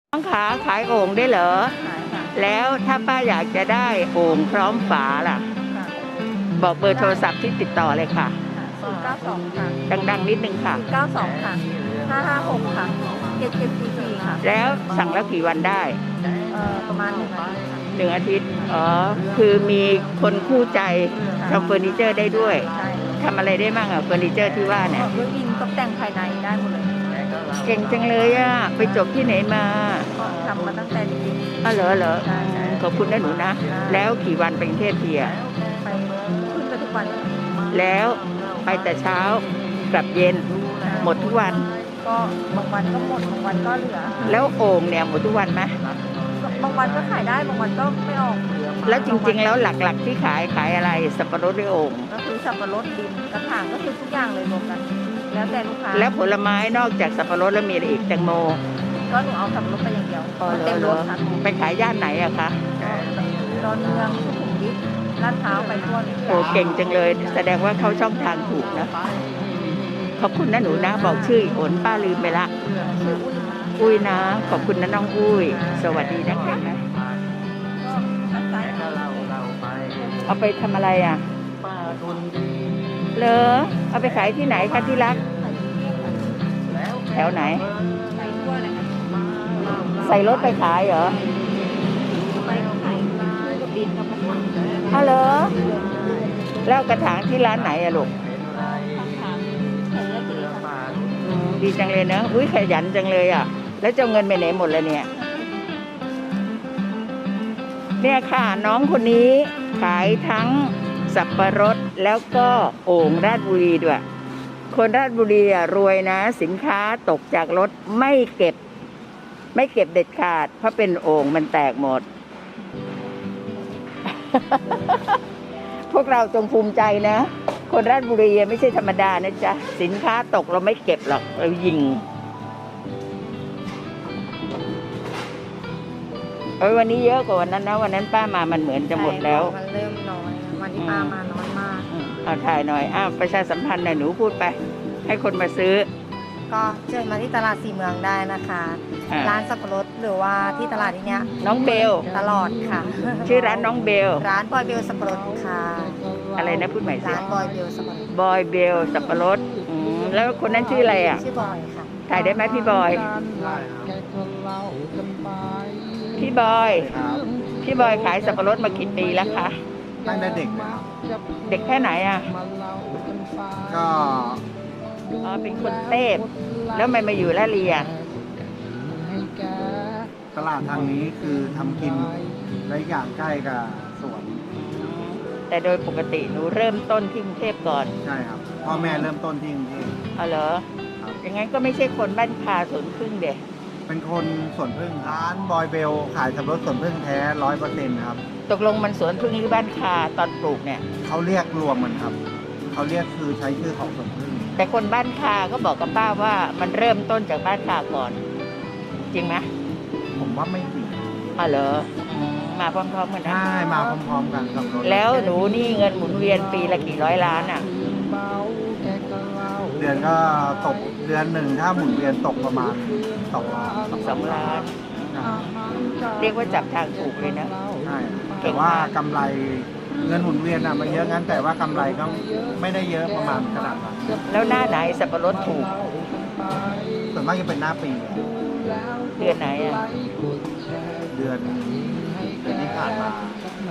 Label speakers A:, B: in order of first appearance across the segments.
A: น้องขาขายโอ่งได้เหรอ
B: ขายค่ะ
A: แล้วถ้าป้าอยากจะได้โอ่งพร้อมฝาล่ะ
B: ค่ะ
A: บอกเบอร์โทรศัพท์ที่ติดต่อเลยค่ะ
B: 092ค่ะ
A: ดังๆนิดนึงค่ะ
B: 092ค่ะ556ค่ะ7744ค่ะ
A: แล้วสั่งแล้วกี่วันได้
B: ประมาณ1 อาทิตย์ค่ะ
A: 1 อาทิตย์อ๋อคือมีคนคู่ใจทำเฟอร์นิเจอร์ได้ด้วย
B: ใช่
A: ทำอะไรได้บ้างอะเฟอร์นิเจอร์ที่ว่าเนี่ย
B: ด้วยอินตกแต่งภายในได้หมดเลย
A: เก่งจังเลยอะไปจบที่ไหนมา
B: ก็ทำมาตั้งแต่เด็ก
A: อ๋อเหรอ
B: ๆใช่
A: ขอบคุณนะหนูนะแล้วกี่วันไปกรุงเทพทีอะ
B: ไปขึ้นไปทุกวัน
A: แล้วไปแต่เช้ากลับเย็นหมดทุกวัน
B: ก็บางวันก็หมดบางวันก็เหลือ
A: แล้วโอ่งเนี่ยหมดทุกวันไหม
B: บางวันก็ขายได้บางวันก็ไม่ออก
A: แล้วจริงๆแล้วหลักๆที่ขายอะไรสับปะรดหรือโอ่ง
B: ก็คือสับปะรดดินกระถางก็คือทุกอย่างเลยรวมกันแล้วแต่ลูกค้า
A: แล้วผลไม้นอกจากสับปะรดแล้วมีอะไรอีกแตงโม
B: ก็หนูเอาสับปะรดไปอย่างเดียวเต็มรถค่ะ
A: ไปขายย่านไหนอะคะ
B: ดอนเมืองสุขุมวิทลาดพร้าวไปทั่วเลย
A: โอ้เก่งจังเลยแสดงว่าเข้าช่องทางถูกนะขอบคุณนะหนูนะบอกชื่ออีกคนป้าลืมไปละ
B: ชื่ออุ้ย
A: อุ้ยนะขอบคุณนะน้องอุ้ยสวัสดีนะคะเอาไปทำอะไรอ่ะเหรอเอาไปขายที่ไหนคะที่รักแถวไหน
B: ไปทั่วเลยค่ะ
A: ใส่รถไปขายเหรอ
B: ไปขายกับดินกับกระถาง
A: เอาเหรอแล้วกระถางที่ร้านไหนอะลูกดีจังเลยเนอะอุ้ยขยันจังเลยอ่ะแล้วจะเงินไปไหนหมดเลยเนี่ยค่ะน้องคนนี้ขายทั้งสับปะรดแล้วก็โอ่งราชบุรีด้วยคนราชบุรีอ่ะรวยนะสินค้าตกจากรถไม่เก็บเด็ดขาดเพราะเป็นโอ่งมันแตกหมด พวกเราจงภูมิใจนะคนราชบุรีไม่ใช่ธรรมดานะจ๊ะสินค้าตกเราไม่เก็บหรอกเรายิงวันนี้เยอะกว่าวันนั้นนะวันนั้นป้ามามันเหมือนจะหมดแล้ว
B: มันเริ่มน้อยวันนี้ป้ามาน้อยมาก
A: เอาถ่ายหน่อยประชาสัมพันธ์หน่อยหนูพูดไปให้คนมาซื้อ
B: ก็เชิญมาที่ตลาดสี่เมืองได้นะคะร้านสับปะรดหรือว่าที่ตลาดที่เนี้ย
A: น้องเบล
B: ตลอดค่ะ
A: ชื่อร้านน้องเบล
B: ร้านบอยเบลสับปะรดค่ะ
A: อะไรนะพูดใหม่สิ
B: ร้านบอยเบลสับปะรด
A: บอยเบลสับปะรดแล้วคนนั้นชื่ออะไรอ่ะ
B: ชื่อบอยค่ะ
A: ถ่ายได้ไหมพี่บอยพี่บอยขายสับปะรดมากี่ปีแล้วคะ
C: ตั้งแต่เด็กเลย
A: เด็กแค่ไหนอ่ะ
C: ก็
A: เป็นคนเทพแล้วมันมาอยู่ละเรีย
C: ตลาดทางนี้คือทำกินและอย่างใกล้กับสวน
A: แต่โดยปกติหนูเริ่มต้นที่กรุงเทพก่อน
C: ใช่ครับพ่อแม่เริ่มต้นที่กรุงเทพ
A: อ๋อเหรออย่างงั้นก็ไม่ใช่คนบ้านคาสวนพึ่งเด็ก
C: เป็นคนสวนพึ่งร้านบอยเบลขายสับปะรดสวนพึ่งแท้ 100%ครับ
A: ตกลงมันสวนพึ่งหรือบ้านคาตอนปลูกเนี่ย
C: เขาเรียกรวมมันครับเขาเรียกคือใช้ชื่อของสวนพึ่ง
A: แต่คนบ้านคาก็บอกกับป้าว่ามันเริ่มต้นจากบ้านคาก่อนจริงไหม
C: ผมว่าไม่จริง
A: อ๋อเหรอมาพร้อมๆกันนะ
C: ใช่มาพร้อมๆกันกับรถ
A: แล้วหนูนี่เงินหมุนเวียนปีละกี่ร้อยล้านอ่ะ
C: เดือนก็ตกเดือนหนึ่งถ้าหมุนเวียนตกประมาณ
A: 2 ล้านเรียกว่าจับทางถูกเลยนะ
C: ใช่แต่ว่ากำไรเงินหมุนเวียนมันเยอะงั้นแต่ว่ากำไรก็ไม่ได้เยอะประมาณขนาดนั้น
A: แล้วหน้าไหนสับปะรดถูก
C: ส่วนมากจะเป็นหน้าปี
A: เดือนไหนอ่ะ
C: เดือนที่ผ่านมา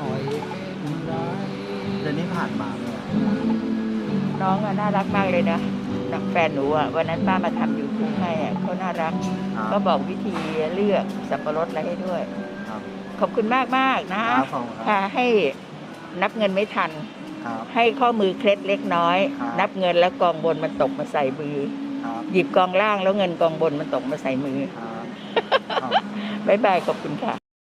A: น้องน่ารักมากเลยนะแฟนหนูวันนั้นป้ามาทำยูทูบให้เขาน่ารักก็บอกวิธีเลือกสับปะรดอะไรให้ด้วยขอบคุณมากนะค่ะให้นับเงินไม่ทันให้ข้อมือเคล็ดเล็กน้อยนับเงินแล้วกองบนมันตกมาใส่มือหยิบกองล่างแล้วเงินกองบนมันตกมาใส่มือบ๊ายบายขอบคุณค่ะ